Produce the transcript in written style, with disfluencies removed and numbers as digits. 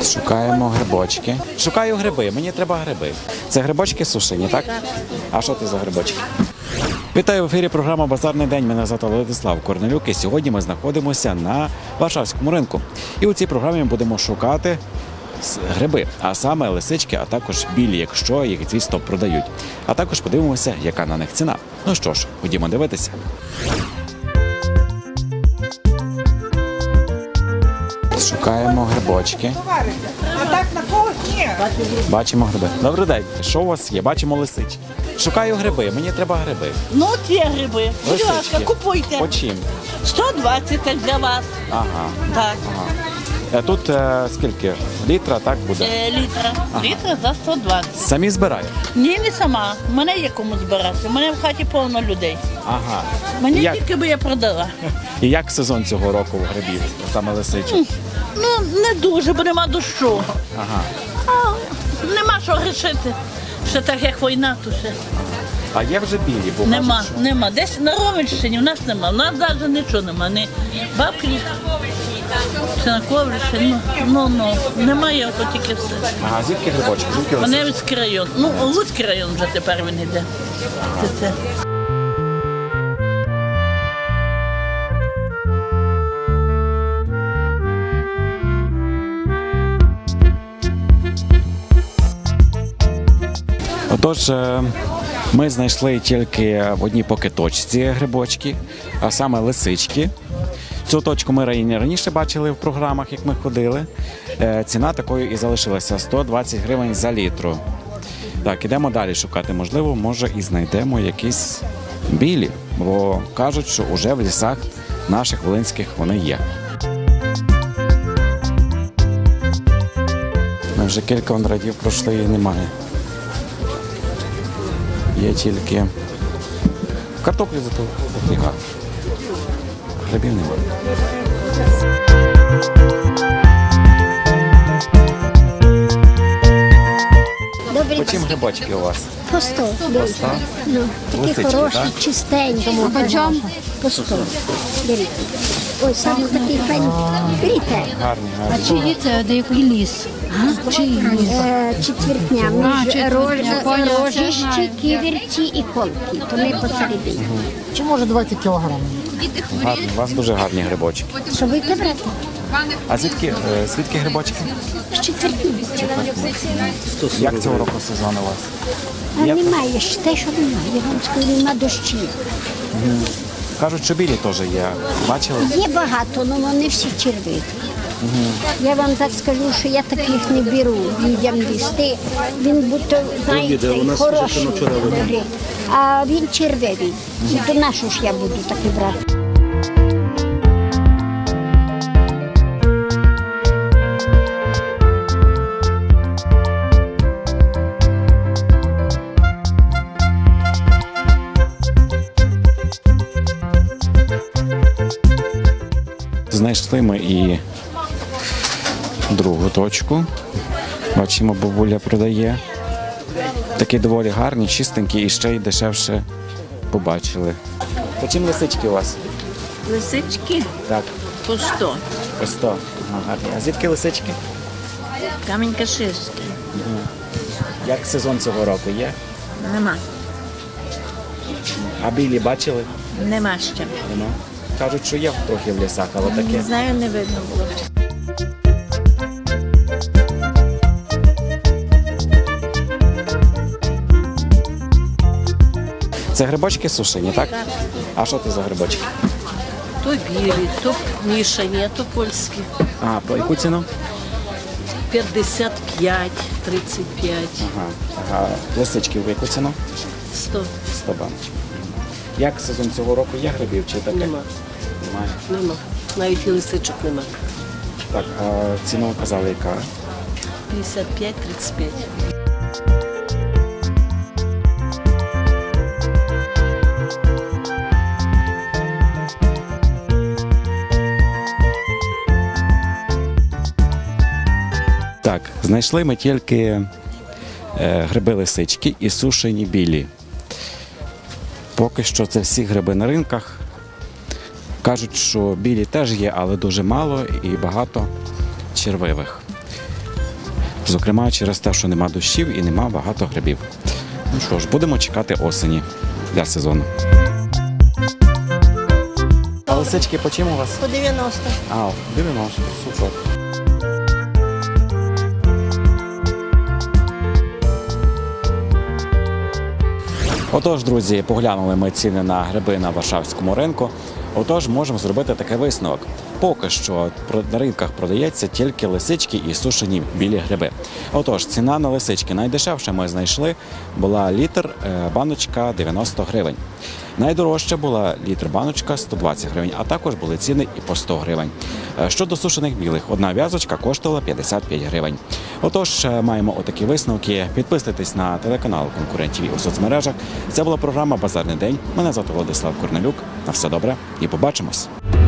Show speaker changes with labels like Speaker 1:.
Speaker 1: Шукаємо грибочки. Шукаю гриби, мені треба гриби. Це грибочки сушені, так? А що це за грибочки? Вітаю в ефірі програма «Базарний день». Мене звати Владислав Корнелюк і сьогодні ми знаходимося на Варшавському ринку. І у цій програмі ми будемо шукати гриби, а саме лисички, а також білі, якщо їх, звісно, продають. А також подивимося, яка на них ціна. Ну що ж, ходімо дивитися. Шукаємо грибочки.
Speaker 2: А так на когось ні.
Speaker 1: Бачимо гриби. Добрий день. Що у вас є? Бачимо лисички. Шукаю гриби, мені треба гриби.
Speaker 3: Ну, от є гриби. Будь ласка,
Speaker 1: Лисички.
Speaker 3: купуйте.
Speaker 1: По чим?
Speaker 3: 120 так для вас.
Speaker 1: Ага.
Speaker 3: Так.
Speaker 1: Тут скільки? Літра, так буде?
Speaker 3: Літра. Літра за 120.
Speaker 1: Самі збирають?
Speaker 3: Ні, не сама. Мене є кому збирати. У мене в хаті повно людей.
Speaker 1: Ага.
Speaker 3: Мені
Speaker 1: Як?
Speaker 3: тільки би я продала.
Speaker 1: І як сезон цього року в грибів, саме лисичок?
Speaker 3: Ну, не дуже, бо нема дощу.
Speaker 1: Ага.
Speaker 3: А, нема що грішити. Ще так, як війна, то ще.
Speaker 1: А є вже білі, бо
Speaker 3: Нема,
Speaker 1: кажуть, що...
Speaker 3: нема. Десь на Ровенщині в нас нема. У нас навіть нічого нема. Ні бабки, чи на Коврищі. Ну, немає, ото тільки все.
Speaker 1: Ага, звідки грибочки? Звідки лисички?
Speaker 3: Маневицький район. Ну, Луцький район вже тепер він йде. Це.
Speaker 1: Отож, ми знайшли тільки в одній поки точці грибочки, а саме лисички. Цю точку ми раніше бачили в програмах, як ми ходили. Ціна такою і залишилася – 120 гривень за літру. Так, ідемо далі шукати. Можливо, може і знайдемо якісь білі, бо кажуть, що вже в лісах наших волинських вони є. Ми вже кілька радів пройшли і немає. Є тільки картоплі зато дофіга. Грибів немає. По чим грибочки у вас?
Speaker 4: По 100. Ну, такі
Speaker 1: Лисички,
Speaker 4: хороші,
Speaker 1: так?
Speaker 4: чистенькі. По 100. Беріть. Ой, саме такий файний. Беріть.
Speaker 1: Гарні,
Speaker 5: А
Speaker 1: гарні.
Speaker 5: чиї це, де який ліс? Чиї ліс?
Speaker 4: Четвертня. Між рожище, ківерці і колки. То ми посередині.
Speaker 6: Чи може 20 кілограмів?
Speaker 1: Гарні. У вас дуже гарні грибочки.
Speaker 4: Що будете брати?
Speaker 1: А звідки грибочки?
Speaker 4: З четвертні.
Speaker 1: Як цього року сезон у вас?
Speaker 4: А немає, ж те, що немає. Я вам скажу, нема дощів.
Speaker 1: Кажуть, що білі теж є. Бачили?
Speaker 4: Є багато, але не всі червиві. Я вам так скажу, що я таких не беру людям їсти. Він будто, знаєте, хороший, добрий, а він червивий. І то нашу ж я буду таки брати.
Speaker 1: Знайшли ми і другу точку. Бачимо, бабуля продає. Такі доволі гарні, чистенькі і ще й дешевше побачили. По чим лисички у вас?
Speaker 3: Лисички
Speaker 1: Так,
Speaker 3: по 100.
Speaker 1: по 100. Ага, гарні. А звідки лисички?
Speaker 3: Камінь-Каширський.
Speaker 1: Як сезон цього року є?
Speaker 3: Нема.
Speaker 1: А білі бачили?
Speaker 3: Нема ще.
Speaker 1: Нема. Кажуть, що є трохи в лісах, але таке.
Speaker 3: Не знаю, не видно було.
Speaker 1: Це грибочки сушені, так? А що це за грибочки?
Speaker 7: То білі, то мішані, то польські.
Speaker 1: А, по яку ціну?
Speaker 7: 55, 35,
Speaker 1: Ага. Лисички в яку ціну?
Speaker 7: 100.
Speaker 1: 100 баночок. Як сезон цього року є грибів чи таке?
Speaker 7: Нема.
Speaker 1: Немає.
Speaker 7: Нема. Навіть і лисичок нема.
Speaker 1: Так, а ціну казали яка?
Speaker 7: 55, 35.
Speaker 1: Так, знайшли ми тільки гриби-лисички і сушені білі. Поки що це всі гриби на ринках. Кажуть, що білі теж є, але дуже мало і багато червивих. Зокрема, через те, що нема дощів і нема багато грибів. Ну що ж, будемо чекати осені для сезону. А лисички по чим у вас?
Speaker 7: По 90.
Speaker 1: А, 90, супер. Отож, друзі, поглянули ми ціни на гриби на Варшавському ринку. Отож, можемо зробити такий висновок. Поки що на ринках продається тільки лисички і сушені білі гриби. Отож, ціна на лисички найдешевша ми знайшли, була літр баночка 90 гривень. Найдорожча була літр баночка 120 гривень, а також були ціни і по 100 гривень. Щодо сушених білих, одна в'язочка коштувала 55 гривень. Отож, маємо отакі висновки. Підписуйтесь на телеканал конкурентів у соцмережах. Це була програма «Базарний день». Мене звати Владислав Корнелюк. На все добре і побачимось.